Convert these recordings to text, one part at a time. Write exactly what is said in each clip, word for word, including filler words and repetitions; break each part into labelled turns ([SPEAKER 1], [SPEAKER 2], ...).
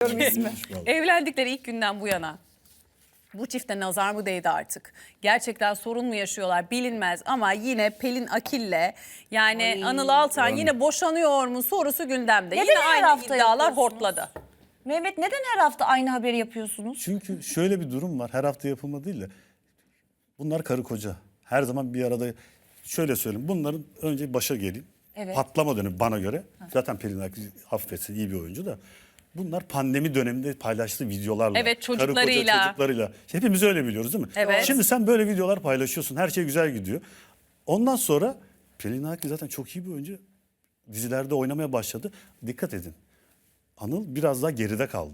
[SPEAKER 1] istiyorum ismi.
[SPEAKER 2] Evlendikleri ilk günden bu yana bu çifte nazar mı değdi artık? Gerçekten sorun mu yaşıyorlar bilinmez ama yine Pelin Akil'le yani
[SPEAKER 1] Ay.
[SPEAKER 2] Anıl Altan
[SPEAKER 3] Yani.
[SPEAKER 2] yine boşanıyor mu sorusu gündemde.
[SPEAKER 1] Neden
[SPEAKER 2] yine
[SPEAKER 1] her
[SPEAKER 2] aynı
[SPEAKER 1] hafta
[SPEAKER 2] iddialar
[SPEAKER 1] yapıyorsunuz?
[SPEAKER 2] hortladı.
[SPEAKER 1] Mehmet neden her hafta aynı haberi yapıyorsunuz?
[SPEAKER 3] Çünkü şöyle bir durum var. Her hafta yapılma değil de bunlar karı koca. Her zaman bir arada, şöyle söyleyeyim. Bunların önce başa geleyim.
[SPEAKER 1] Evet.
[SPEAKER 3] Patlama dönemi bana göre. Zaten Pelin Akil affetsin iyi bir oyuncu da. Bunlar pandemi döneminde paylaştığı videolarla.
[SPEAKER 2] Evet,
[SPEAKER 3] karı koca
[SPEAKER 2] çocuklarıyla.
[SPEAKER 3] çocuklarıyla. Hepimiz öyle biliyoruz değil mi?
[SPEAKER 2] Evet.
[SPEAKER 3] Şimdi sen böyle videolar paylaşıyorsun. Her şey güzel gidiyor. Ondan sonra Pelin Akil zaten çok iyi bir oyuncu. Dizilerde oynamaya başladı. Dikkat edin. Anıl biraz daha geride kaldı.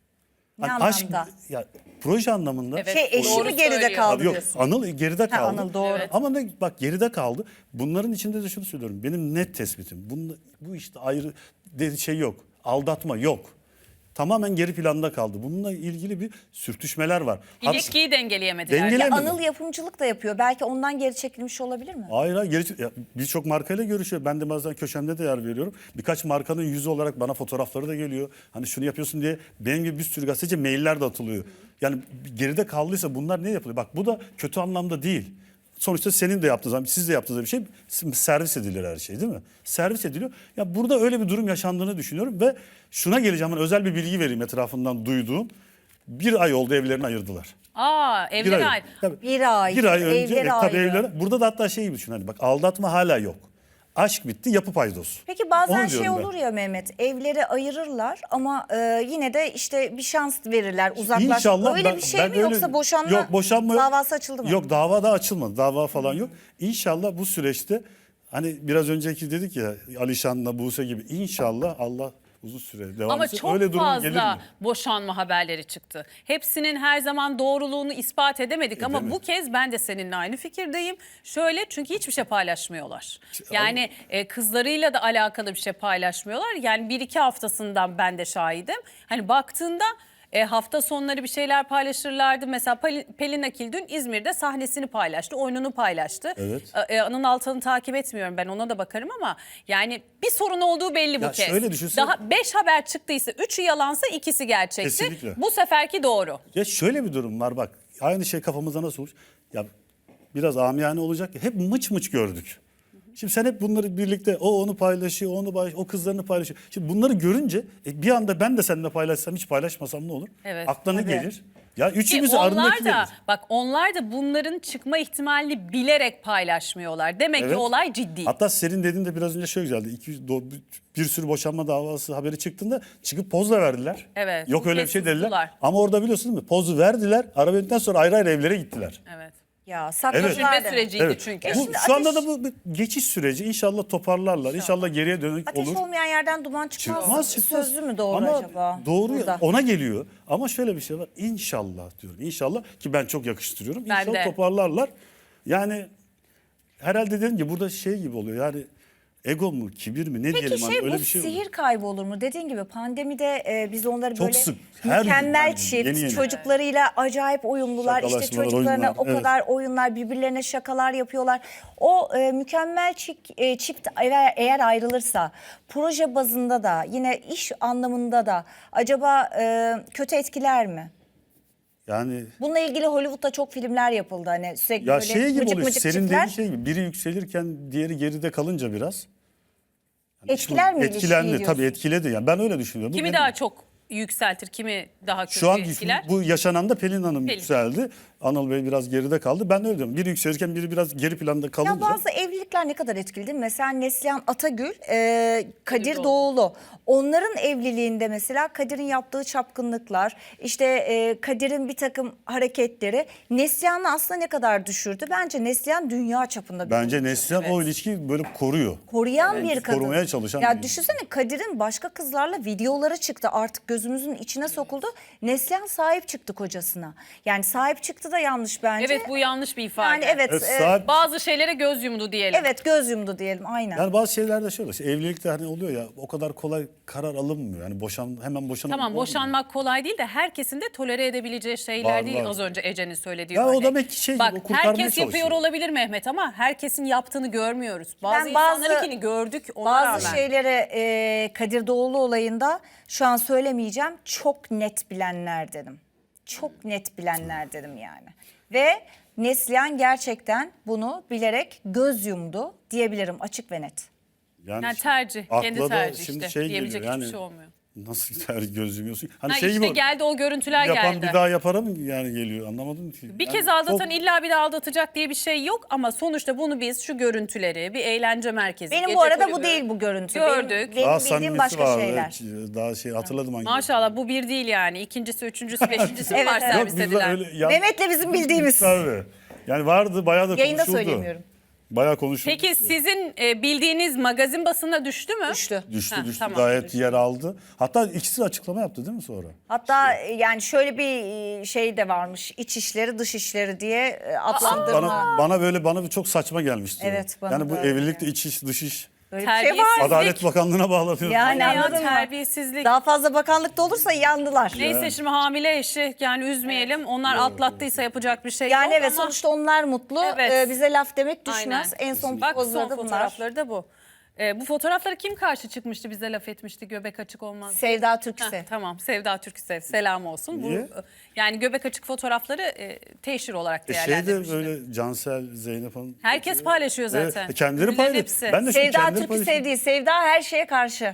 [SPEAKER 1] Ne
[SPEAKER 3] Hani aşk,
[SPEAKER 1] anlamda?
[SPEAKER 3] ya proje anlamında.
[SPEAKER 2] Evet,
[SPEAKER 1] Şey eşi
[SPEAKER 2] doğru
[SPEAKER 1] mi geride
[SPEAKER 2] söylüyor.
[SPEAKER 1] kaldı
[SPEAKER 3] Abi yok,
[SPEAKER 1] diyorsun?
[SPEAKER 3] Anıl geride kaldı.
[SPEAKER 1] Anıl doğru.
[SPEAKER 2] Evet.
[SPEAKER 3] Ama ne, bak geride kaldı. Bunların içinde de şunu söylüyorum. Benim net tespitim. Bunun, bu işte ayrı dedi şey yok. Aldatma yok. Tamamen geri planda kaldı. Bununla ilgili bir sürtüşmeler var. Hat-
[SPEAKER 2] İlişkiyi dengeleyemediler.
[SPEAKER 3] Dengele-
[SPEAKER 1] Ya
[SPEAKER 3] Bilemedim.
[SPEAKER 1] Anıl yapımcılık da yapıyor. Belki ondan geri çekilmiş olabilir mi?
[SPEAKER 3] Hayır hayır. geri- ya Birçok markayla görüşüyor. Ben de bazen köşemde de yer veriyorum. Birkaç markanın yüzü olarak bana fotoğrafları da geliyor. Hani şunu yapıyorsun diye benim gibi bir sürü gazeteci mailler de atılıyor. Yani geride kaldıysa bunlar ne yapılıyor? Bak bu da kötü anlamda değil. Sonuçta senin de yaptığın zaman, siz de yaptığınız bir şey servis edilir her şey değil mi? Servis ediliyor. Ya burada öyle bir durum yaşandığını düşünüyorum ve şuna geleceğim. Hani özel bir bilgi vereyim etrafından duyduğum. Bir ay oldu evlerini ayırdılar.
[SPEAKER 2] Aa
[SPEAKER 3] Bir
[SPEAKER 2] evler
[SPEAKER 3] ay.
[SPEAKER 2] ayrı.
[SPEAKER 3] Tabii.
[SPEAKER 1] Bir ay,
[SPEAKER 3] Bir ay önce
[SPEAKER 1] evleri
[SPEAKER 3] e, tabii
[SPEAKER 1] ayrı.
[SPEAKER 3] evleri. Burada da hatta şey gibi düşün. Hani bak aldatma hala yok. Aşk bitti, yapı paydos.
[SPEAKER 1] Peki bazen
[SPEAKER 3] Onu
[SPEAKER 1] şey
[SPEAKER 3] diyorum ben.
[SPEAKER 1] olur ya Mehmet, evleri ayırırlar ama e, yine de işte bir şans verirler, uzaklaşmak.
[SPEAKER 3] İnşallah
[SPEAKER 1] Öyle
[SPEAKER 3] ben-
[SPEAKER 1] bir şey
[SPEAKER 3] ben
[SPEAKER 1] mi
[SPEAKER 3] öyle-
[SPEAKER 1] yoksa boşanma,
[SPEAKER 3] yok, boşanma
[SPEAKER 1] davası açıldı mı?
[SPEAKER 3] Yok, dava da açılmadı. Dava falan yok. İnşallah bu süreçte hani biraz önceki dedik ya Alişan'la Buse gibi inşallah Allah uzun süre devam
[SPEAKER 2] Ama
[SPEAKER 3] etsin.
[SPEAKER 2] çok
[SPEAKER 3] Öyle durum gelir
[SPEAKER 2] fazla
[SPEAKER 3] mi?
[SPEAKER 2] boşanma haberleri çıktı. Hepsinin her zaman doğruluğunu ispat edemedik ama
[SPEAKER 3] Edemedik.
[SPEAKER 2] bu kez ben de seninle aynı fikirdeyim. Şöyle çünkü hiçbir şey paylaşmıyorlar. Yani e, kızlarıyla da alakalı bir şey paylaşmıyorlar. Yani bir iki haftasından ben de şahidim. Hani baktığında e, hafta sonları bir şeyler paylaşırlardı. Mesela Pelin, Pelin Akil dün İzmir'de sahnesini paylaştı, oyununu paylaştı.
[SPEAKER 3] Evet.
[SPEAKER 2] E, Anıl Altan'ı takip etmiyorum ben, ona da bakarım ama yani bir sorun olduğu belli bu
[SPEAKER 3] Ya
[SPEAKER 2] kez.
[SPEAKER 3] şöyle düşünsene-
[SPEAKER 2] Daha beş haber çıktıysa üçü yalansa ikisi gerçekti.
[SPEAKER 3] Kesinlikle.
[SPEAKER 2] Bu seferki doğru.
[SPEAKER 3] Ya şöyle bir durum var bak. Aynı şey kafamızda nasıl olmuş? Ya biraz amiyane olacak ya. Hep mıç mıç gördük. Şimdi sen hep bunları birlikte o onu paylaşıyor, o onu paylaşıyor, o kızlarını paylaşıyor. Şimdi bunları görünce e, bir anda ben de seninle paylaşsam, hiç paylaşmasam ne olur?
[SPEAKER 2] Evet.
[SPEAKER 3] Aklına
[SPEAKER 1] Tabii.
[SPEAKER 3] gelir. Ya
[SPEAKER 2] Ki
[SPEAKER 3] üçümüz
[SPEAKER 2] onlar
[SPEAKER 3] arındaki
[SPEAKER 2] da bak onlar da bunların çıkma ihtimalini bilerek paylaşmıyorlar. Demek ki
[SPEAKER 3] Evet.
[SPEAKER 2] olay ciddi.
[SPEAKER 3] Hatta senin dediğin de biraz önce şöyle güzeldi. İki, do- bir sürü boşanma davası haberi çıktığında çıkıp poz da verdiler.
[SPEAKER 2] Evet,
[SPEAKER 3] Yok
[SPEAKER 2] bu
[SPEAKER 3] öyle bir
[SPEAKER 2] kez
[SPEAKER 3] şey dediler.
[SPEAKER 2] sustular.
[SPEAKER 3] Ama orada biliyorsun değil mi? Pozu verdiler. Arabiyetinden sonra ayrı ayrı evlere gittiler.
[SPEAKER 2] Evet.
[SPEAKER 1] Ya
[SPEAKER 3] Evet.
[SPEAKER 1] sakladılar
[SPEAKER 2] Düşünme
[SPEAKER 1] demek.
[SPEAKER 2] süreciydi
[SPEAKER 3] Evet.
[SPEAKER 2] çünkü.
[SPEAKER 3] Bu,
[SPEAKER 1] şimdi
[SPEAKER 3] şu anda
[SPEAKER 1] ateş-
[SPEAKER 3] da bu bir geçiş süreci. İnşallah toparlarlar. İnşallah, geriye dönük
[SPEAKER 1] Ateş
[SPEAKER 3] olur.
[SPEAKER 1] olmayan yerden duman çıkmaz.
[SPEAKER 3] Çıkmaz çıkmaz.
[SPEAKER 1] Sözlü mü doğru
[SPEAKER 3] Ama
[SPEAKER 1] acaba?
[SPEAKER 3] Doğru ya,
[SPEAKER 1] burada?
[SPEAKER 3] ona geliyor. Ama şöyle bir şey var. İnşallah diyorum. İnşallah ki ben çok yakıştırıyorum.
[SPEAKER 2] Ben
[SPEAKER 3] İnşallah
[SPEAKER 2] de.
[SPEAKER 3] toparlarlar. Yani herhalde dediğim gibi burada şey gibi oluyor. Yani ego mu, kibir mi ne
[SPEAKER 1] Peki
[SPEAKER 3] diyelim hani
[SPEAKER 1] şey
[SPEAKER 3] öyle
[SPEAKER 1] bu
[SPEAKER 3] bir şey
[SPEAKER 1] sihir
[SPEAKER 3] oluyor.
[SPEAKER 1] kaybı olur mu? Dediğin gibi pandemide e, biz onları
[SPEAKER 3] Çok
[SPEAKER 1] böyle
[SPEAKER 3] sık, her gün
[SPEAKER 1] mükemmel
[SPEAKER 3] yani,
[SPEAKER 1] çift,
[SPEAKER 3] yeni yeni.
[SPEAKER 1] çocuklarıyla acayip uyumlular. İşte
[SPEAKER 3] Şakalaşmalar,
[SPEAKER 1] çocuklarına
[SPEAKER 3] oyunlar,
[SPEAKER 1] o
[SPEAKER 3] evet.
[SPEAKER 1] kadar oyunlar, birbirlerine şakalar yapıyorlar. O e, mükemmel çift, e, çift eğer, eğer ayrılırsa proje bazında da yine iş anlamında da acaba e, kötü etkiler mi?
[SPEAKER 3] Yani
[SPEAKER 1] Bununla ilgili Hollywood'da çok filmler yapıldı. Hani sürekli
[SPEAKER 3] ya
[SPEAKER 1] böyle
[SPEAKER 3] şey gibi
[SPEAKER 1] mıcık
[SPEAKER 3] oluyor.
[SPEAKER 1] mıcık
[SPEAKER 3] Senin
[SPEAKER 1] çiftler.
[SPEAKER 3] dediğin şey gibi. Biri yükselirken diğeri geride kalınca biraz. Yani
[SPEAKER 1] Etkiler mi ilişkiyi
[SPEAKER 3] Etkilendi
[SPEAKER 1] diyorsun?
[SPEAKER 3] tabii etkiledi. Yani ben öyle düşünüyorum. Bu
[SPEAKER 2] Kimi
[SPEAKER 3] benim-
[SPEAKER 2] daha çok yükseltir, kimi daha kötü
[SPEAKER 3] Şu an
[SPEAKER 2] etkiler?
[SPEAKER 3] bu yaşanan da Pelin Hanım
[SPEAKER 2] Pelin.
[SPEAKER 3] yükseldi. Anıl Bey biraz geride kaldı. Ben de öyle diyorum. Biri yükselirken biri biraz geri planda kalınca.
[SPEAKER 1] Ya bazı evlilikler ne kadar etkili değil mi? Mesela Neslihan Atagül, e, Kadir
[SPEAKER 2] Doğulu.
[SPEAKER 1] Doğulu. Onların evliliğinde mesela Kadir'in yaptığı çapkınlıklar, işte e, Kadir'in bir takım hareketleri Neslihan'ı aslında ne kadar düşürdü? Bence Neslihan dünya çapında bir
[SPEAKER 3] Bence
[SPEAKER 1] oyuncu.
[SPEAKER 3] Neslihan o ilişkiyi böyle koruyor.
[SPEAKER 1] Koruyan bir kadın.
[SPEAKER 3] Korumaya çalışan
[SPEAKER 1] Ya
[SPEAKER 3] bir-
[SPEAKER 1] düşünsene Kadir'in başka kızlarla videoları çıktı, artık gözümüzün içine sokuldu. Neslihan sahip çıktı kocasına. Yani sahip çıktı da yanlış bence.
[SPEAKER 2] Evet, bu yanlış bir ifade.
[SPEAKER 1] Yani evet,
[SPEAKER 3] Evet,
[SPEAKER 1] e,
[SPEAKER 3] sahip-
[SPEAKER 2] Bazı şeylere göz yumdu diyelim.
[SPEAKER 1] evet göz yumdu diyelim aynen.
[SPEAKER 3] Yani bazı şeylerde şöyle. işte evlilikte hani oluyor ya o kadar kolay karar alınmıyor. Yani boşan hemen boşanıp
[SPEAKER 2] Tamam,
[SPEAKER 3] olmuyor.
[SPEAKER 2] boşanmak kolay değil de herkesin de tolere edebileceği şeyler
[SPEAKER 3] Var,
[SPEAKER 2] değil.
[SPEAKER 3] var.
[SPEAKER 2] Az önce Ece'nin söylediği
[SPEAKER 3] Ya o
[SPEAKER 2] örnek.
[SPEAKER 3] demek ki şey gibi,
[SPEAKER 2] Bak,
[SPEAKER 3] o kurtarmaya
[SPEAKER 2] herkes yapıyor
[SPEAKER 3] çalışıyor.
[SPEAKER 2] olabilir Mehmet ama herkesin yaptığını görmüyoruz. Bazı
[SPEAKER 1] Ben bazı-
[SPEAKER 2] insanlarınkini gördük ona
[SPEAKER 1] Bazı
[SPEAKER 2] rağmen.
[SPEAKER 1] şeylere e, Kadir Doğulu olayında şu an söylemeyeceğim. demeyeceğim. Çok net bilenler dedim. Çok net bilenler dedim yani. Ve Neslihan gerçekten bunu bilerek göz yumdu diyebilirim, açık ve net.
[SPEAKER 2] Yani tercih,
[SPEAKER 3] akla
[SPEAKER 2] kendi
[SPEAKER 3] da
[SPEAKER 2] tercih
[SPEAKER 3] şimdi
[SPEAKER 2] işte.
[SPEAKER 3] şey
[SPEAKER 2] Diyebilecek
[SPEAKER 3] geliyor,
[SPEAKER 2] hiçbir
[SPEAKER 3] yani
[SPEAKER 2] şey olmuyor.
[SPEAKER 3] Nasıl tercih göz yumuyorsun? Hani
[SPEAKER 2] Ha,
[SPEAKER 3] şey
[SPEAKER 2] işte
[SPEAKER 3] gibi
[SPEAKER 2] geldi o görüntüler
[SPEAKER 3] yapan
[SPEAKER 2] geldi.
[SPEAKER 3] bir daha yapara mı yani geliyor, anlamadım ki.
[SPEAKER 2] Bir
[SPEAKER 3] Yani
[SPEAKER 2] kez aldatan
[SPEAKER 3] çok-
[SPEAKER 2] illa bir daha aldatacak diye bir şey yok ama sonuçta bunu biz şu görüntüleri, bir eğlence merkezi,
[SPEAKER 1] Benim
[SPEAKER 2] gece
[SPEAKER 1] bu arada bu
[SPEAKER 2] kulübü
[SPEAKER 1] değil bu görüntü.
[SPEAKER 2] gördük.
[SPEAKER 1] Benim, benim
[SPEAKER 3] daha
[SPEAKER 1] bildiğim
[SPEAKER 3] samimisi
[SPEAKER 1] başka
[SPEAKER 3] vardı.
[SPEAKER 1] şeyler.
[SPEAKER 3] Daha şey hatırladım hangi.
[SPEAKER 2] Maşallah bu bir değil yani. İkincisi, üçüncüsü, beşincisi mi
[SPEAKER 1] Evet,
[SPEAKER 2] var
[SPEAKER 1] evet.
[SPEAKER 3] Yok
[SPEAKER 2] servis
[SPEAKER 3] bizde
[SPEAKER 2] edilen?
[SPEAKER 3] öyle ya-
[SPEAKER 1] Mehmet'le bizim bildiğimiz.
[SPEAKER 3] Tabii. Yani vardı, bayağı da
[SPEAKER 1] Yayında
[SPEAKER 3] konuşuldu.
[SPEAKER 1] söyleyemiyorum.
[SPEAKER 3] Bayağı konuşuldu.
[SPEAKER 2] Peki sizin e, bildiğiniz magazin basına düştü mü?
[SPEAKER 1] Düştü.
[SPEAKER 3] Düştü
[SPEAKER 2] Ha,
[SPEAKER 3] düştü
[SPEAKER 2] tamam.
[SPEAKER 3] gayet yer aldı. Hatta ikisi de açıklama yaptı değil mi sonra?
[SPEAKER 1] Hatta e, yani şöyle bir e, şey de varmış. İç işleri, dış işleri diye e, adlandırma.
[SPEAKER 3] Bana bana böyle bana bir çok saçma gelmişti. o.
[SPEAKER 1] Evet, bana
[SPEAKER 3] yani bu
[SPEAKER 1] da öyle
[SPEAKER 3] evlilikte iç iş dış iş.
[SPEAKER 1] Böyle bir şey
[SPEAKER 2] Terbiyesiz.
[SPEAKER 1] var.
[SPEAKER 3] Adalet Bakanlığı'na bağlanıyor.
[SPEAKER 1] Yani
[SPEAKER 2] Ya
[SPEAKER 1] anladın mı?
[SPEAKER 2] terbiyesizlik.
[SPEAKER 1] Daha fazla bakanlıkta olursa yandılar.
[SPEAKER 2] Neyse şimdi hamile eşi yani üzmeyelim. Onlar atlattıysa yapacak bir şey
[SPEAKER 1] Yani
[SPEAKER 2] yok
[SPEAKER 1] evet
[SPEAKER 2] ama...
[SPEAKER 1] sonuçta onlar mutlu.
[SPEAKER 2] Evet.
[SPEAKER 1] Ee, bize laf demek düşmez.
[SPEAKER 2] Aynen.
[SPEAKER 1] En son
[SPEAKER 2] Bak
[SPEAKER 1] pozları
[SPEAKER 2] son
[SPEAKER 1] da bunlar.
[SPEAKER 2] fotoğrafları da bu. Ee, bu fotoğraflara kim karşı çıkmıştı, bize laf etmişti, göbek açık olmaz.
[SPEAKER 1] Sevda
[SPEAKER 2] Heh,
[SPEAKER 1] Türksev.
[SPEAKER 2] tamam, Sevda Türksev selam olsun. Bu,
[SPEAKER 3] Niye?
[SPEAKER 2] yani göbek açık fotoğrafları e, teşhir olarak
[SPEAKER 3] E şey de
[SPEAKER 2] değerlendirmişti.
[SPEAKER 3] böyle Cansel, Zeynep Hanım.
[SPEAKER 2] Herkes paylaşıyor zaten.
[SPEAKER 3] Evet, kendileri
[SPEAKER 2] Ünlülerin
[SPEAKER 3] paylaşıyor.
[SPEAKER 2] hepsi.
[SPEAKER 3] Ben de şimdi
[SPEAKER 1] Sevda
[SPEAKER 3] kendileri
[SPEAKER 1] Türksev
[SPEAKER 3] paylaşıyorum.
[SPEAKER 1] değil. Sevda her şeye karşı.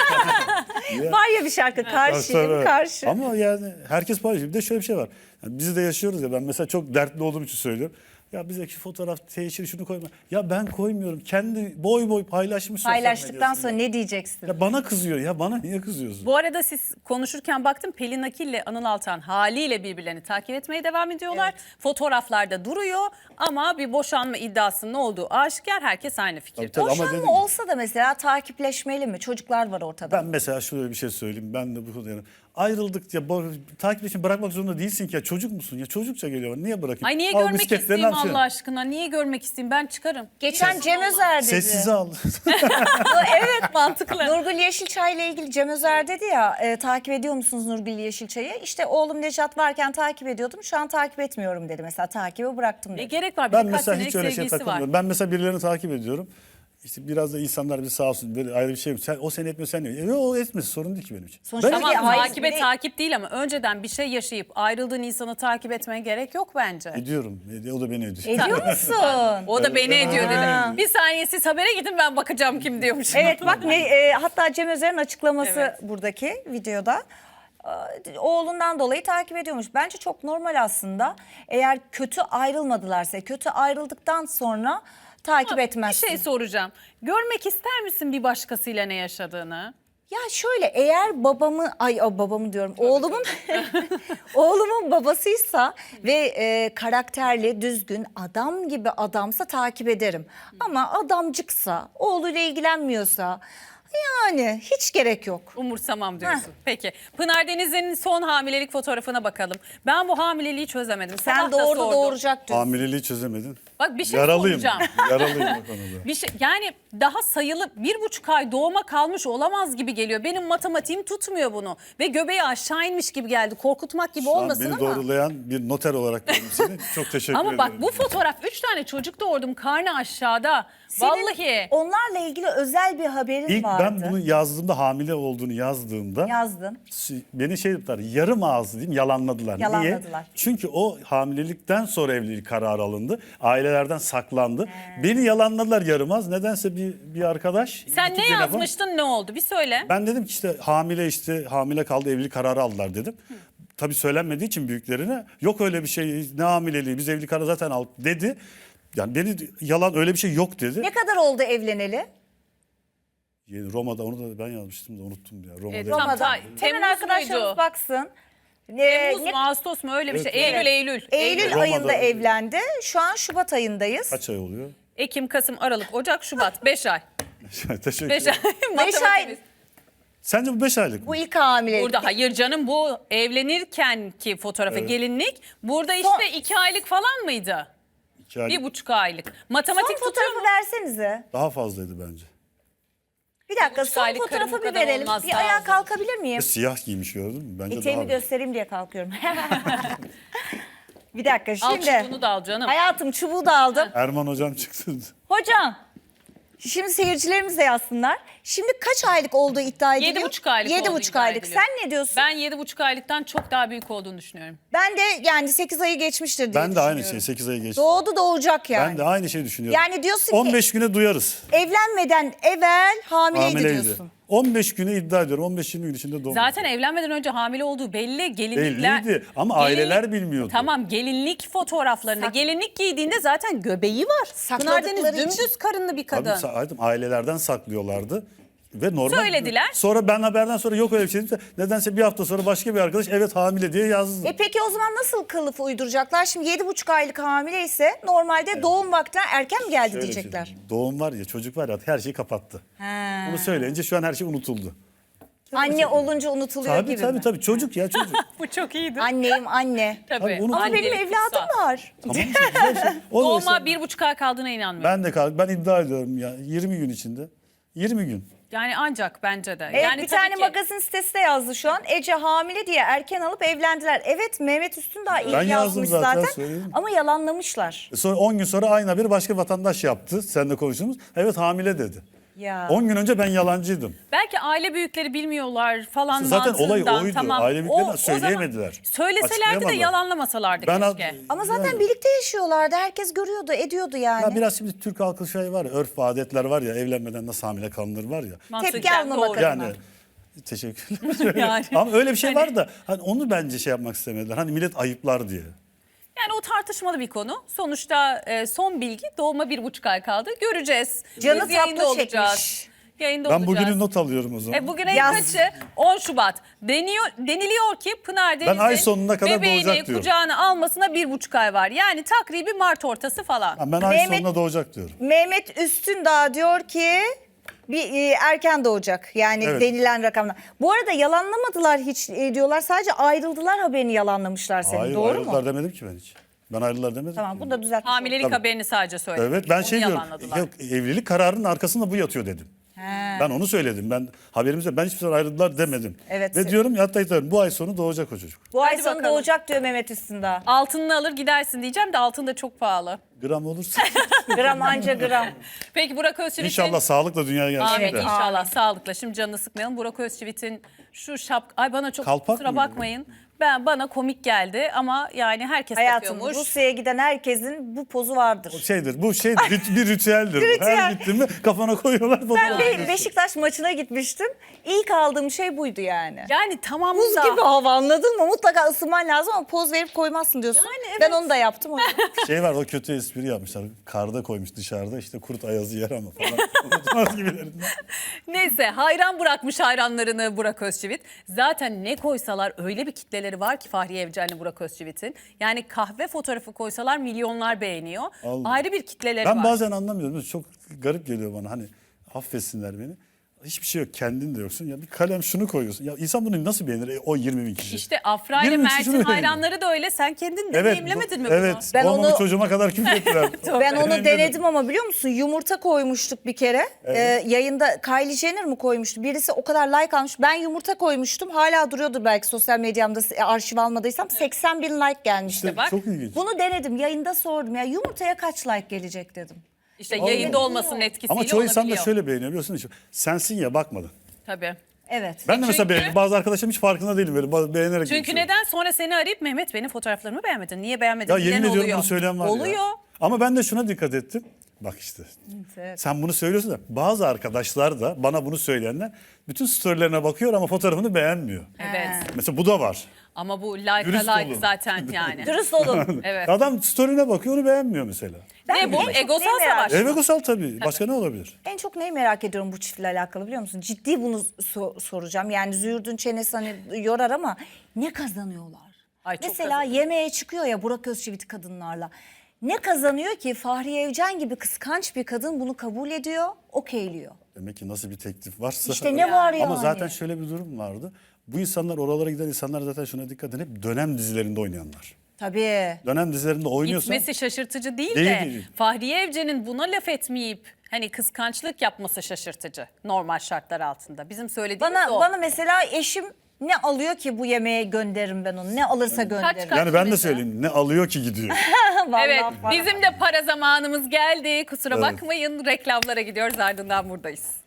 [SPEAKER 1] Var ya bir şarkı. Karşıyım,
[SPEAKER 3] Tabii.
[SPEAKER 1] karşı.
[SPEAKER 3] Ama yani herkes paylaşıyor. Bir de şöyle bir şey var. Yani biz de yaşıyoruz ya, ben mesela çok dertli olduğum için söylüyorum. Ya bizdeki fotoğraf teşhir şunu koyma. Ya ben koymuyorum. Kendi boy boy paylaşmış. sosyal
[SPEAKER 1] Paylaştıktan
[SPEAKER 3] medyasında.
[SPEAKER 1] sonra ne diyeceksin?
[SPEAKER 3] Ya bana kızıyor ya, bana niye kızıyorsun?
[SPEAKER 2] Bu arada siz konuşurken baktım Pelin Akil ile Anıl Altan haliyle birbirlerini takip etmeye devam ediyorlar. Fotoğraflarda duruyor ama bir boşanma iddiasının olduğu aşikar, herkes aynı fikirde.
[SPEAKER 3] Tabii, tabii. Ama
[SPEAKER 1] Boşanma
[SPEAKER 3] dedim-
[SPEAKER 1] olsa da mesela takipleşmeli mi? Çocuklar var ortada.
[SPEAKER 3] Ben mesela şöyle bir şey söyleyeyim. Ben de bu konuda yani ayrıldık ya, bo- takipleşini bırakmak zorunda değilsin ki ya, çocuk musun ya, çocukça geliyor. Niye bırakayım?
[SPEAKER 2] Ay niye
[SPEAKER 3] Al
[SPEAKER 2] görmek
[SPEAKER 3] bisikletlerini
[SPEAKER 2] isteyeyim
[SPEAKER 3] al, şey.
[SPEAKER 2] Allah aşkına? Niye görmek isteyeyim? Ben çıkarım.
[SPEAKER 1] Geçen Cem Özer dedi.
[SPEAKER 3] Sessize al.
[SPEAKER 2] Evet mantıklı.
[SPEAKER 1] Nurgül Yeşilçay ile ilgili Cem Özer dedi ya, e, takip ediyor musunuz Nurgül Yeşilçay'ı? İşte oğlum Necat varken takip ediyordum, şu an takip etmiyorum dedi. Mesela takibi bıraktım
[SPEAKER 2] Ne
[SPEAKER 1] dedi.
[SPEAKER 2] gerek var?
[SPEAKER 3] Ben
[SPEAKER 2] Birkaç
[SPEAKER 3] mesela
[SPEAKER 2] senelik
[SPEAKER 3] hiç öyle şey
[SPEAKER 2] sevgilisi var.
[SPEAKER 3] takılmıyorum. Ben mesela birilerini takip ediyorum. İşte biraz da insanlar bir sağ olsun, böyle ayrı bir şey. Sen, o seni etmiyor, sen ne? E, o etmez, sorun değil ki benim için.
[SPEAKER 1] Sonuçta
[SPEAKER 3] Ben-
[SPEAKER 1] ama-
[SPEAKER 2] Tamam
[SPEAKER 1] Hayır,
[SPEAKER 2] takibe
[SPEAKER 1] bir de-
[SPEAKER 2] takip değil ama önceden bir şey yaşayıp ayrıldığın insanı takip etmeye gerek yok bence.
[SPEAKER 3] Ediyorum. E, O da beni ediyor.
[SPEAKER 1] Ediyor musun?
[SPEAKER 2] O da beni ediyor
[SPEAKER 1] Ha.
[SPEAKER 2] dedi. Bir saniye siz habere gidin ben bakacağım kim diyormuş.
[SPEAKER 1] Evet bak ne e, hatta Cem Özer'in açıklaması
[SPEAKER 2] Evet.
[SPEAKER 1] buradaki videoda. E, Oğlundan dolayı takip ediyormuş. Bence çok normal aslında. Eğer kötü ayrılmadılarsa, kötü ayrıldıktan sonra takip
[SPEAKER 2] Bir
[SPEAKER 1] etmezsin.
[SPEAKER 2] şey soracağım. Görmek ister misin bir başkasıyla ne yaşadığını?
[SPEAKER 1] Ya şöyle, eğer babamı ay o babamı diyorum oğlumun oğlumun babasıysa ve e, karakterli, düzgün, adam gibi adamsa takip ederim. Ama adamcıksa, oğluyla ilgilenmiyorsa yani hiç gerek yok.
[SPEAKER 2] Umursamam diyorsun. Peki. Pınar Denizli'nin son hamilelik fotoğrafına bakalım. Ben bu hamileliği çözemedim.
[SPEAKER 1] Sen
[SPEAKER 2] Sabah da
[SPEAKER 1] doğurdu
[SPEAKER 2] sordum.
[SPEAKER 1] doğuracak diyorsun.
[SPEAKER 3] Hamileliği çözemedin.
[SPEAKER 2] Bak bir şey
[SPEAKER 3] Yaralıyım.
[SPEAKER 2] soracağım.
[SPEAKER 3] Yaralıyım o konuda.
[SPEAKER 2] Bir şey, yani daha sayılı bir buçuk ay doğuma kalmış olamaz gibi geliyor. Benim matematiğim tutmuyor bunu. Ve göbeği aşağı inmiş gibi geldi. Korkutmak gibi
[SPEAKER 3] Şu an
[SPEAKER 2] olmasın
[SPEAKER 3] beni
[SPEAKER 2] ama.
[SPEAKER 3] doğrulayan bir noter olarak gördüm seni. Çok teşekkür
[SPEAKER 2] Ama
[SPEAKER 3] ederim.
[SPEAKER 2] bak bu fotoğraf üç tane çocuk doğurdum, karnı aşağıda.
[SPEAKER 1] Senin
[SPEAKER 2] Vallahi.
[SPEAKER 1] onlarla ilgili özel bir haberin
[SPEAKER 3] İlk
[SPEAKER 1] vardı.
[SPEAKER 3] ben bunu yazdığımda, hamile olduğunu yazdığımda
[SPEAKER 1] Yazdın.
[SPEAKER 3] beni şey yaptılar, yarım ağız diyeyim, yalanladılar.
[SPEAKER 1] Yalanladılar.
[SPEAKER 3] Niye? Çünkü o hamilelikten sonra evlilik kararı alındı. Ailelerden saklandı. Beni yalanladılar yarım ağız. Nedense bir bir arkadaş.
[SPEAKER 2] Sen
[SPEAKER 3] YouTube
[SPEAKER 2] ne
[SPEAKER 3] telefon-
[SPEAKER 2] yazmıştın, ne oldu? Bir söyle.
[SPEAKER 3] Ben dedim ki işte hamile işte hamile kaldı, evlilik kararı aldılar dedim. Tabii söylenmediği için büyüklerine, yok öyle bir şey, ne hamileliği, biz evlilik kararı zaten aldık dedi. Yani beni yalan, öyle bir şey yok dedi.
[SPEAKER 1] Ne kadar oldu evleneli?
[SPEAKER 3] Yani Roma'da, onu da ben yazmıştım da unuttum ya. Roma'da.
[SPEAKER 2] Evet, tam
[SPEAKER 1] Roma'da.
[SPEAKER 2] ta-
[SPEAKER 1] Hemen
[SPEAKER 2] Temmuz
[SPEAKER 1] arkadaşlarımız
[SPEAKER 2] muydu?
[SPEAKER 1] baksın. Ne,
[SPEAKER 2] Temmuz
[SPEAKER 1] ne-
[SPEAKER 2] mu, Ağustos mu, öyle bir
[SPEAKER 3] Evet,
[SPEAKER 2] şey.
[SPEAKER 3] evet.
[SPEAKER 2] Eylül, Eylül.
[SPEAKER 1] Eylül
[SPEAKER 3] Roma'da-
[SPEAKER 1] ayında evlendi. Şu an Şubat ayındayız.
[SPEAKER 3] Kaç ay oluyor?
[SPEAKER 2] Ekim, Kasım, Aralık, Ocak, Şubat. Beş ay.
[SPEAKER 3] Teşekkür
[SPEAKER 2] Beş
[SPEAKER 3] ederim.
[SPEAKER 2] ay.
[SPEAKER 1] Beş
[SPEAKER 2] Matematik.
[SPEAKER 1] ay.
[SPEAKER 3] Sence bu beş aylık mı?
[SPEAKER 1] Bu ilk hamilelik.
[SPEAKER 2] Burada hayır canım, bu evlenirken ki fotoğrafı,
[SPEAKER 3] Evet.
[SPEAKER 2] gelinlik. Burada
[SPEAKER 1] Son-
[SPEAKER 2] işte iki aylık falan mıydı?
[SPEAKER 3] İki aylık.
[SPEAKER 2] Bir buçuk aylık. Matematik
[SPEAKER 1] Son
[SPEAKER 2] tutuyor mu?
[SPEAKER 1] fotoğrafı versenize.
[SPEAKER 3] Daha fazlaydı bence.
[SPEAKER 1] Bir dakika
[SPEAKER 2] buçuk
[SPEAKER 1] son
[SPEAKER 2] aylık
[SPEAKER 1] fotoğrafı
[SPEAKER 2] karım bu
[SPEAKER 1] bir
[SPEAKER 2] kadar
[SPEAKER 1] verelim.
[SPEAKER 2] olmaz,
[SPEAKER 1] Bir
[SPEAKER 2] daha
[SPEAKER 1] ayağa
[SPEAKER 2] uzun.
[SPEAKER 1] kalkabilir miyim?
[SPEAKER 3] Ve siyah giymiş, gördün mü? Bence
[SPEAKER 1] Eteğimi
[SPEAKER 3] daha
[SPEAKER 1] göstereyim diye kalkıyorum. Bir dakika
[SPEAKER 2] Al
[SPEAKER 1] şimdi.
[SPEAKER 2] çubuğunu da al canım.
[SPEAKER 1] Hayatım çubuğu da aldım.
[SPEAKER 3] Erman hocam çıktı.
[SPEAKER 1] Hocam Şimdi seyircilerimiz de yazsınlar. Şimdi kaç aylık olduğu iddia ediliyor?
[SPEAKER 2] Yedi buçuk aylık
[SPEAKER 1] Yedi
[SPEAKER 2] olduğu
[SPEAKER 1] buçuk
[SPEAKER 2] iddia
[SPEAKER 1] aylık.
[SPEAKER 2] ediliyor.
[SPEAKER 1] Sen ne diyorsun?
[SPEAKER 2] Ben yedi buçuk aylıktan çok daha büyük olduğunu düşünüyorum.
[SPEAKER 1] Ben de yani sekiz ayı geçmiştir diye
[SPEAKER 3] Ben de aynı
[SPEAKER 1] düşünüyorum.
[SPEAKER 3] şey sekiz ayı geçti.
[SPEAKER 1] Doğdu doğacak yani.
[SPEAKER 3] Ben de aynı şeyi düşünüyorum.
[SPEAKER 1] Yani diyorsun ki-
[SPEAKER 3] on beş güne duyarız.
[SPEAKER 1] Evlenmeden evvel hamileydi
[SPEAKER 3] Hamileydi.
[SPEAKER 1] diyorsun.
[SPEAKER 3] on beş güne iddia ediyorum. on beş yirmi gün içinde doğdu.
[SPEAKER 2] Zaten evlenmeden önce hamile olduğu belli. Gelinlikler,
[SPEAKER 3] Belliydi ama aileler bilmiyordu.
[SPEAKER 2] Tamam, gelinlik fotoğraflarında.
[SPEAKER 1] Sak-
[SPEAKER 2] gelinlik giydiğinde zaten göbeği var. Pınar Deniz
[SPEAKER 1] Sakladıkları için.
[SPEAKER 2] dümdüz karınlı bir
[SPEAKER 3] Tabii,
[SPEAKER 2] kadın.
[SPEAKER 3] sa- ailelerden saklıyorlardı. Ve normal.
[SPEAKER 2] Söylediler.
[SPEAKER 3] Sonra ben haberden sonra yok öyle bir şey dedim. Nedense bir hafta sonra başka bir arkadaş evet hamile diye yazdı.
[SPEAKER 1] E peki o zaman nasıl kılıf uyduracaklar? Şimdi yedi buçuk aylık hamile ise normalde doğum vakti erken mi geldi
[SPEAKER 3] Şöyle bir şey
[SPEAKER 1] diyecekler.
[SPEAKER 3] diyeyim. Doğum var ya, çocuk var ya, her şeyi kapattı.
[SPEAKER 1] He.
[SPEAKER 3] Bunu söyleyince şu an her şey unutuldu.
[SPEAKER 1] Anne olunca unutuluyor
[SPEAKER 3] Tabii
[SPEAKER 1] gibi
[SPEAKER 3] tabii
[SPEAKER 1] mi?
[SPEAKER 3] tabii çocuk ya çocuk.
[SPEAKER 2] Bu çok iyiydi.
[SPEAKER 1] Anneyim anne.
[SPEAKER 2] Tabii.
[SPEAKER 3] Tabii, bunu-
[SPEAKER 1] Ama
[SPEAKER 2] Annelik
[SPEAKER 1] benim evladım
[SPEAKER 2] kutsal.
[SPEAKER 1] var.
[SPEAKER 3] Tamam işte, güzel şey. O da
[SPEAKER 2] Doğuma
[SPEAKER 3] işte-
[SPEAKER 2] bir buçuk ay kaldığına inanmıyorum.
[SPEAKER 3] Ben de kaldım. Ben iddia ediyorum ya yirmi gün içinde. yirmi gün.
[SPEAKER 2] Yani ancak bence de.
[SPEAKER 1] Evet,
[SPEAKER 2] yani
[SPEAKER 1] bir
[SPEAKER 2] tabii
[SPEAKER 1] tane
[SPEAKER 2] ki-
[SPEAKER 1] magazin sitesi de yazdı şu an. Ece hamile diye erken alıp evlendiler. Evet, Mehmet Üstün daha iyi
[SPEAKER 3] Ben yazdım
[SPEAKER 1] yazmış
[SPEAKER 3] zaten,
[SPEAKER 1] zaten.
[SPEAKER 3] söyledim.
[SPEAKER 1] Ama yalanlamışlar.
[SPEAKER 3] E Sonra on gün sonra aynı bir başka vatandaş yaptı. Seninle konuştuğumuz. Evet hamile dedi.
[SPEAKER 1] Ya.
[SPEAKER 3] on gün önce ben yalancıydım.
[SPEAKER 2] Belki aile büyükleri bilmiyorlar falan
[SPEAKER 3] Zaten olay
[SPEAKER 2] mantığından,
[SPEAKER 3] oydu.
[SPEAKER 2] Tamam.
[SPEAKER 3] Aile büyükleri
[SPEAKER 2] O- o
[SPEAKER 3] söyleyemediler.
[SPEAKER 2] zaman Söyleselerdi de
[SPEAKER 3] Açıklayamadılar.
[SPEAKER 2] yalanlamasalardı
[SPEAKER 3] Ben ad-
[SPEAKER 2] keşke.
[SPEAKER 1] Ama zaten
[SPEAKER 3] Yani-
[SPEAKER 1] birlikte yaşıyorlardı. Herkes görüyordu, ediyordu yani.
[SPEAKER 3] Ya biraz şimdi Türk halkı şey var ya, örf ve adetler var ya, evlenmeden nasıl hamile kalınır var ya.
[SPEAKER 2] Mantıken
[SPEAKER 1] Tepki almamak
[SPEAKER 2] doğru.
[SPEAKER 1] adına.
[SPEAKER 3] Yani teşekkürler.
[SPEAKER 2] Yani.
[SPEAKER 3] Ama öyle bir şey var da hani onu bence şey yapmak istemediler. Hani millet ayıplar diye.
[SPEAKER 2] Yani o tartışmalı bir konu. Sonuçta e, son bilgi doğuma bir buçuk ay kaldı. Göreceğiz.
[SPEAKER 1] Canı
[SPEAKER 2] Biz yayında
[SPEAKER 1] tatlı
[SPEAKER 2] olacağız.
[SPEAKER 1] çekmiş.
[SPEAKER 2] Yayında
[SPEAKER 3] Ben
[SPEAKER 2] olacağız.
[SPEAKER 3] bugünü not alıyorum o zaman.
[SPEAKER 2] E, bugün ayın
[SPEAKER 1] Yaz.
[SPEAKER 2] kaçı? on Şubat. Deniyor, deniliyor ki Pınar Deniz'in
[SPEAKER 3] ay sonuna kadar
[SPEAKER 2] bebeğini
[SPEAKER 3] doğacak diyorum.
[SPEAKER 2] kucağına almasına bir buçuk ay var. Yani takribi Mart ortası falan.
[SPEAKER 3] Ha, ben ay
[SPEAKER 1] Mehmet-
[SPEAKER 3] sonuna doğacak diyorum.
[SPEAKER 1] Mehmet Üstün daha diyor ki bir e, erken doğacak. Yani
[SPEAKER 3] Evet.
[SPEAKER 1] denilen rakamlar. Bu arada yalanlamadılar hiç e, diyorlar. Sadece ayrıldılar haberini yalanlamışlar senin.
[SPEAKER 3] Hayır
[SPEAKER 1] Doğru
[SPEAKER 3] ayrıldılar
[SPEAKER 1] mu?
[SPEAKER 3] demedim ki ben hiç. Ben ayrıldılar demedim.
[SPEAKER 1] Tamam,
[SPEAKER 3] ki.
[SPEAKER 1] bunu da düzeltmiş olduk.
[SPEAKER 2] Hamilelik
[SPEAKER 3] Tabii.
[SPEAKER 2] haberini sadece söyledim.
[SPEAKER 3] Evet ben
[SPEAKER 2] Onu
[SPEAKER 3] şey diyorum.
[SPEAKER 2] yalanladılar.
[SPEAKER 3] Yok, evlilik kararının arkasında bu yatıyor dedim.
[SPEAKER 1] He.
[SPEAKER 3] Ben onu söyledim. Ben haberimizde ben hiçbir zaman ayrıldılar demedim.
[SPEAKER 1] Evet.
[SPEAKER 3] Ve diyorum ya hatta diyorum, bu ay sonu doğacak o çocuk.
[SPEAKER 1] Bu ay
[SPEAKER 2] Hadi
[SPEAKER 1] sonu
[SPEAKER 2] bakalım.
[SPEAKER 1] doğacak diyor Mehmet Üstün daha.
[SPEAKER 2] Altınını alır gidersin diyeceğim de altın da çok pahalı.
[SPEAKER 3] Gram olursa
[SPEAKER 1] Gram anca gram.
[SPEAKER 2] Peki Burak Özçivit'in...
[SPEAKER 3] inşallah sağlıkla dünyaya gelsin
[SPEAKER 2] Amin
[SPEAKER 3] de.
[SPEAKER 2] inşallah sağlıkla. Şimdi canını sıkmayalım. Burak Özçivit'in şu şapka... Ay bana çok
[SPEAKER 3] Kalpak
[SPEAKER 2] kusura
[SPEAKER 3] mıydı?
[SPEAKER 2] bakmayın. Ben bana komik geldi ama yani herkes
[SPEAKER 1] Hayatım,
[SPEAKER 2] takıyormuş.
[SPEAKER 1] Rusya'ya giden herkesin bu pozu vardır.
[SPEAKER 3] Şeydir bu şey rit- bir ritüeldir. bu.
[SPEAKER 1] Ritüel.
[SPEAKER 3] Her gittin mi kafana koyuyorlar
[SPEAKER 1] Ben
[SPEAKER 3] fotoğraf.
[SPEAKER 1] bir Beşiktaş maçına gitmiştim. İlk aldığım şey buydu yani.
[SPEAKER 2] Yani tamam
[SPEAKER 1] Buz
[SPEAKER 2] da...
[SPEAKER 1] gibi hava, anladın mı? Mutlaka ısınman lazım ama poz verip koymazsın diyorsun.
[SPEAKER 2] Yani evet.
[SPEAKER 1] Ben onu da yaptım. o yüzden.
[SPEAKER 3] Şey var, o kötü espri yapmışlar. Karda koymuş dışarıda, işte kurt ayazı yer ama falan. Unutmaz gibilerinden.
[SPEAKER 2] Neyse hayran bırakmış hayranlarını Burak Özçivit. Zaten ne koysalar öyle bir kitleleri var ki Fahriye Evcen'le Burak Özçivit'in. Yani kahve fotoğrafı koysalar milyonlar beğeniyor.
[SPEAKER 3] Allah.
[SPEAKER 2] Ayrı bir kitleleri
[SPEAKER 3] Ben
[SPEAKER 2] var.
[SPEAKER 3] bazen anlamıyorum. Çok garip geliyor bana, hani affetsinler beni. Hiçbir şey yok, kendin de yoksun. Ya bir kalem şunu koyuyorsun. Ya insan bunu nasıl beğenir? E, o yirmi bin kişi.
[SPEAKER 2] İşte Afra ile
[SPEAKER 3] yirmi bin kişi
[SPEAKER 2] Mert'in
[SPEAKER 3] şunu beğeniyor.
[SPEAKER 2] hayranları da öyle. Sen kendin
[SPEAKER 3] Evet,
[SPEAKER 2] deneyimlemedin
[SPEAKER 3] bu-
[SPEAKER 2] mi bunu?
[SPEAKER 3] Evet.
[SPEAKER 1] Ben
[SPEAKER 3] Babamın
[SPEAKER 1] onu-
[SPEAKER 3] çocuğuma kadar küfür ettiler.
[SPEAKER 1] Ben onu
[SPEAKER 3] Deneyimledim.
[SPEAKER 1] denedim ama biliyor musun? Yumurta koymuştuk bir kere. Ee, yayında Kylie Jenner mi koymuştu? Birisi o kadar like almış. Ben yumurta koymuştum. Hala duruyordur belki sosyal medyamda, e, arşiv almadıysam. seksen bin like gelmişti.
[SPEAKER 3] İşte
[SPEAKER 2] bak.
[SPEAKER 3] çok ilginç.
[SPEAKER 1] Bunu denedim. Yayında sordum. Ya yumurtaya kaç like gelecek dedim.
[SPEAKER 2] İşte yayında olmasının etkisiyle
[SPEAKER 3] Ama çoğu insan da
[SPEAKER 2] olabiliyor.
[SPEAKER 3] şöyle beğeniyor biliyorsun. hiç. Sensin ya, bakmadın.
[SPEAKER 2] Tabii.
[SPEAKER 3] Ben
[SPEAKER 1] Evet.
[SPEAKER 3] de
[SPEAKER 2] Çünkü-
[SPEAKER 3] mesela beğeniyorum. Bazı arkadaşlarım hiç farkında değilim, böyle bazı beğenerek
[SPEAKER 2] Çünkü
[SPEAKER 3] geçiyorum.
[SPEAKER 2] neden? Sonra seni arayıp Mehmet benim fotoğraflarımı beğenmedin. Niye beğenmedin?
[SPEAKER 3] Ya
[SPEAKER 2] diyen
[SPEAKER 3] yemin ediyorum
[SPEAKER 2] oluyor.
[SPEAKER 3] bunu söyleyen var
[SPEAKER 2] Oluyor.
[SPEAKER 3] ya. Ama ben de şuna dikkat ettim. Bak işte.
[SPEAKER 1] Evet.
[SPEAKER 3] Sen bunu söylüyorsun da bazı arkadaşlar da bana bunu söyleyenler bütün storylerine bakıyor ama fotoğrafını beğenmiyor.
[SPEAKER 2] Evet.
[SPEAKER 3] Mesela bu da var.
[SPEAKER 2] Ama bu like
[SPEAKER 3] Dürüst
[SPEAKER 2] like
[SPEAKER 3] olun.
[SPEAKER 2] zaten yani.
[SPEAKER 1] Dürüst olun.
[SPEAKER 2] Evet.
[SPEAKER 3] Adam story'ine bakıyor, onu beğenmiyor mesela.
[SPEAKER 2] Ne bu?
[SPEAKER 1] en çok
[SPEAKER 2] Egosal
[SPEAKER 1] neyi merak
[SPEAKER 2] savaş.
[SPEAKER 3] Evet, egosal tabii. Başka ne olabilir?
[SPEAKER 1] En çok neyi merak ediyorum bu çiftle alakalı biliyor musun? Ciddi bunu so- soracağım. Yani Züğürdün çenesi hani yorar ama ne kazanıyorlar?
[SPEAKER 2] Ay, çok
[SPEAKER 1] Mesela
[SPEAKER 2] kazanıyor.
[SPEAKER 1] yemeğe çıkıyor ya Burak Özçivit kadınlarla. Ne kazanıyor ki Fahriye Evcen gibi kıskanç bir kadın bunu kabul ediyor, okeyliyor.
[SPEAKER 3] Demek ki nasıl bir teklif varsa.
[SPEAKER 1] İşte ne var yani?
[SPEAKER 3] Ama zaten şöyle bir durum vardı. Bu insanlar, oralara giden insanlar zaten şuna dikkat edin. Hep dönem dizilerinde oynayanlar.
[SPEAKER 1] Tabii.
[SPEAKER 3] Dönem dizilerinde oynuyorsan
[SPEAKER 2] Gitmesi şaşırtıcı değil,
[SPEAKER 3] Değil,
[SPEAKER 2] de
[SPEAKER 3] değil.
[SPEAKER 2] Fahriye Evcen'in buna laf etmeyip hani kıskançlık yapması şaşırtıcı normal şartlar altında. Bizim söylediğimiz
[SPEAKER 1] Bana
[SPEAKER 2] o.
[SPEAKER 1] bana mesela eşim Ne alıyor ki bu yemeğe gönderirim ben onu? Ne alırsa gönderirim.
[SPEAKER 2] kaç-
[SPEAKER 3] Yani ben de
[SPEAKER 2] mesela?
[SPEAKER 3] söyleyeyim ne alıyor ki gidiyor.
[SPEAKER 1] Vallahi
[SPEAKER 2] Evet,
[SPEAKER 1] para.
[SPEAKER 2] bizim de para zamanımız geldi. Kusura
[SPEAKER 3] Evet.
[SPEAKER 2] bakmayın, reklamlara gidiyoruz, ardından buradayız.